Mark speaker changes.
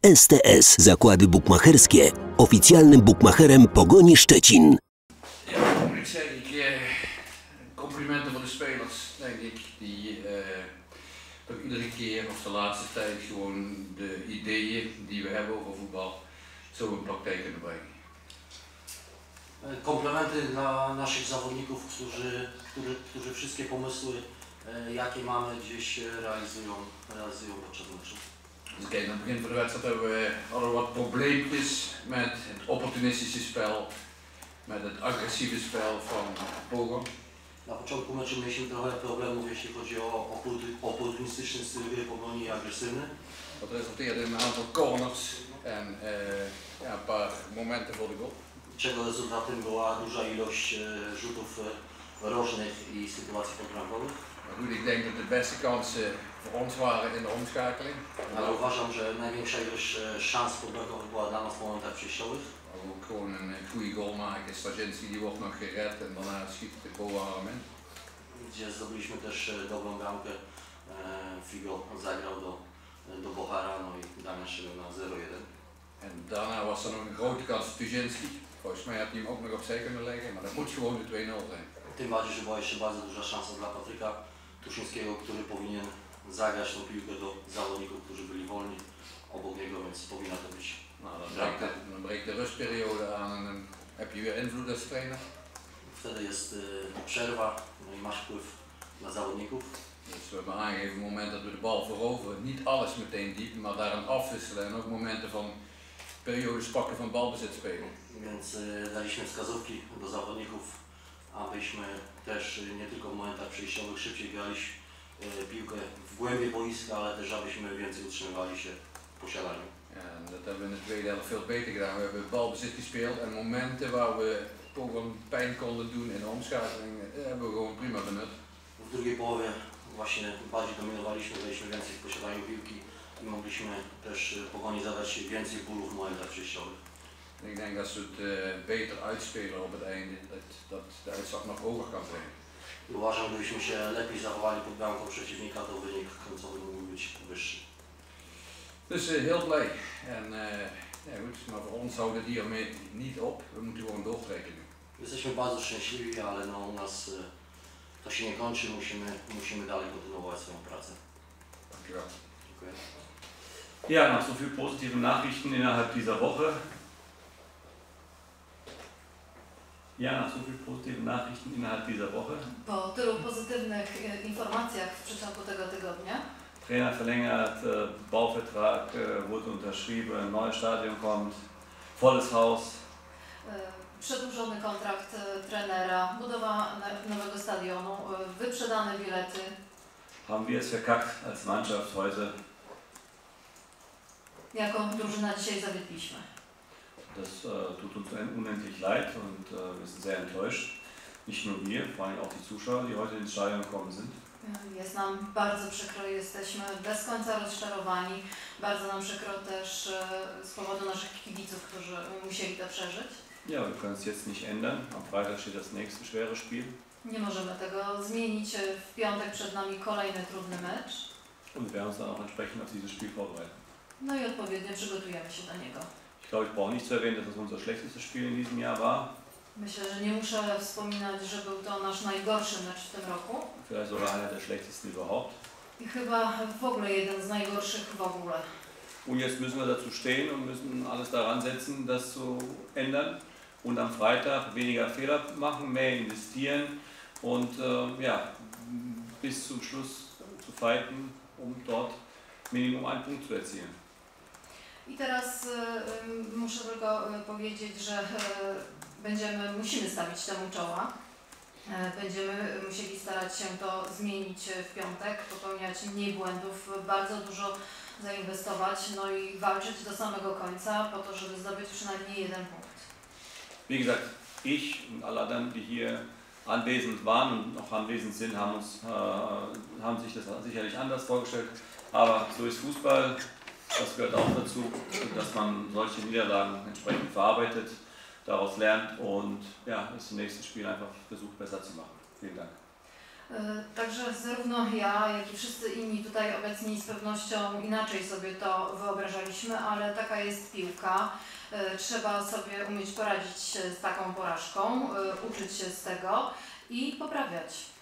Speaker 1: STS Zakłady Bukmacherskie, oficjalnym bukmacherem Pogoni Szczecin.
Speaker 2: Ja, moet ik zeggen, complimenten voor de spelers, denk ik, die toch iedere keer of de laatste tijd gewoon de ideeën die we hebben over voetbal zo in praktijk kunnen brengen.
Speaker 3: Komplementy dla naszych zawodników, którzy wszystkie pomysły, jakie mamy, gdzieś realizują podczas meczu.
Speaker 2: Dus kijk, aan het begin van de wedstrijd hadden we wat probleempjes met het opportunistische spel, met het agressieve spel van Pogon.
Speaker 3: Na początku meczu mieliśmy trochę problemów, jeśli chodzi o oportunistyczny styl gry Pogoni i agresywny.
Speaker 2: Dat resulteerde in een aantal corners en ja, een paar momenten voor de goal.
Speaker 3: Czego rezultatem była duża ilość rzutów rożnych i sytuacji podbramkowych.
Speaker 2: Maar goed, ik denk dat de beste kansen voor ons waren in de omschakeling.
Speaker 3: Ale uważam, że największa ilość szans podbramkowych była dla nas w momentach przejściowych.
Speaker 2: Ook gewoon een goede goal maken. Stajenski die wordt nog gered en daarna schiet de Boarem in.
Speaker 3: Gdzie zdobyliśmy też dobrą bramkę. Figo zagrał do Bohara, no i Damian Szymiel na 0-1.
Speaker 2: En daarna was er nog een grote kans voor Stajenski. Volgens mij had hij hem ook nog opzij kunnen leggen, maar dat moet gewoon de 2-0 zijn.
Speaker 3: Tym bardziej, że była jeszcze bardzo duża szansa dla Patryka Tuszyńskiego, który powinien zagrać tą piłkę do zawodników, którzy byli wolni obok niego, więc powinna to być.
Speaker 2: Nou, dan breekt de rustperiode aan en dan heb je weer invloed als trainer.
Speaker 3: Wtedy jest przerwa, no i masz wpływ na zawodników.
Speaker 2: Dus we hebben aangegeven op het moment dat we de bal veroveren, niet alles meteen diep, maar daarin afwisselen en ook momenten van periodes pakken van balbezit spelen.
Speaker 3: Więc daliśmy wskazówki do zawodników, abyśmy też nie tylko w momentach przejściowych szybciej grali piłkę w głębię boiska, ale też abyśmy więcej utrzymywali się w posiadaniu.
Speaker 2: Ja, en dat hebben we in de tweede helft veel beter gedaan. We hebben balbezit gespeeld en momenten waar we Pogon pijn konden doen in de omschakeling, hebben we gewoon prima benut.
Speaker 3: W drugiej połowie właśnie bardziej dominowaliśmy, byliśmy więcej w posiadaniu piłki i mogliśmy też Pogoni zadać więcej bólu w momentach przejściowych.
Speaker 2: Ik denk dat ze het beter uitspelen op het einde, dat de uitslag nog hoger kan zijn.
Speaker 3: Uważam, gdybyśmy się lepiej zachowali pod bramką przeciwnika, to wynik końcowy mógłby być wyższy.
Speaker 2: Dus heel blij. En ja, goed, maar voor ons houdt het hiermee niet op. We moeten gewoon doortrekken.
Speaker 3: Jesteśmy bardzo szczęśliwi, ale no, u nas to się nie kończy, musimy dalej kontynuować swoją pracę.
Speaker 2: Dankjewel.
Speaker 3: Dziękuję.
Speaker 4: Ja, nach so vielen positiven Nachrichten innerhalb dieser Woche. Nach so vielen positiven Nachrichten innerhalb dieser Woche.
Speaker 5: Po tylu pozytywnych informacjach w przeciągu tego tygodnia.
Speaker 4: Trainer verlängert, Bauvertrag wurde unterschrieben, neues Stadion kommt, volles Haus.
Speaker 5: Przedłużony kontrakt trenera, budowa nowego stadionu, wyprzedane bilety.
Speaker 4: Haben wir es verkackt als Mannschaft heute?
Speaker 5: Jaką drużyna dzisiaj zawiedliśmy?
Speaker 4: Das tut uns unendlich leid und wir sind sehr enttäuscht. Nicht nur wir, vor allem auch die Zuschauer, die heute ins Stadion gekommen sind.
Speaker 5: Jest nam bardzo przykro, jesteśmy bez końca rozczarowani. Bardzo nam przykro też z powodu naszych kibiców, którzy musieli to przeżyć.
Speaker 4: Ja, wir können es jetzt nicht ändern. Am Freitag steht das nächste schwere Spiel.
Speaker 5: Nie możemy tego zmienić. W piątek przed nami kolejny trudny mecz.
Speaker 4: Und wir werden uns dann auch entsprechend auf dieses Spiel vorbereiten.
Speaker 5: No i odpowiednio przygotujemy się do niego.
Speaker 4: Ich glaube, ich brauche nicht zu erwähnen, dass es unser schlechtestes Spiel in diesem Jahr war.
Speaker 5: Myślę, że nie muszę wspominać, że był to nasz najgorszy mecz w tym roku.
Speaker 4: Vielleicht sogar einer der schlechtesten überhaupt.
Speaker 5: I chyba w ogóle jeden z najgorszych w ogóle.
Speaker 4: Und jetzt müssen wir dazu stehen und müssen alles daran setzen, das zu ändern. Und am Freitag weniger Fehler machen, mehr investieren und ja, bis zum Schluss zu fighten, um dort Minimum einen Punkt zu erzielen.
Speaker 5: I teraz muszę tylko powiedzieć, że musimy stawić temu czoła. Będziemy musieli starać się to zmienić w piątek, popełniać mniej błędów, bardzo dużo zainwestować, no i walczyć do samego końca po to, żeby zdobyć przynajmniej jeden punkt.
Speaker 4: Wie gesagt, ich und alle anderen, die hier anwesend waren und noch anwesend sind, haben sich das sicherlich anders vorgestellt. Aber so ist Fußball, das gehört auch dazu, dass man solche Niederlagen entsprechend verarbeitet, daraus lernt und ja, das nächste Spiel einfach versucht besser zu machen. Vielen Dank.
Speaker 5: Także zarówno ja, jak i wszyscy inni tutaj tutaj obecni z pewnością inaczej sobie to wyobrażaliśmy, ale taka jest piłka. Trzeba sobie umieć poradzić z taką porażką, uczyć się z tego i poprawiać.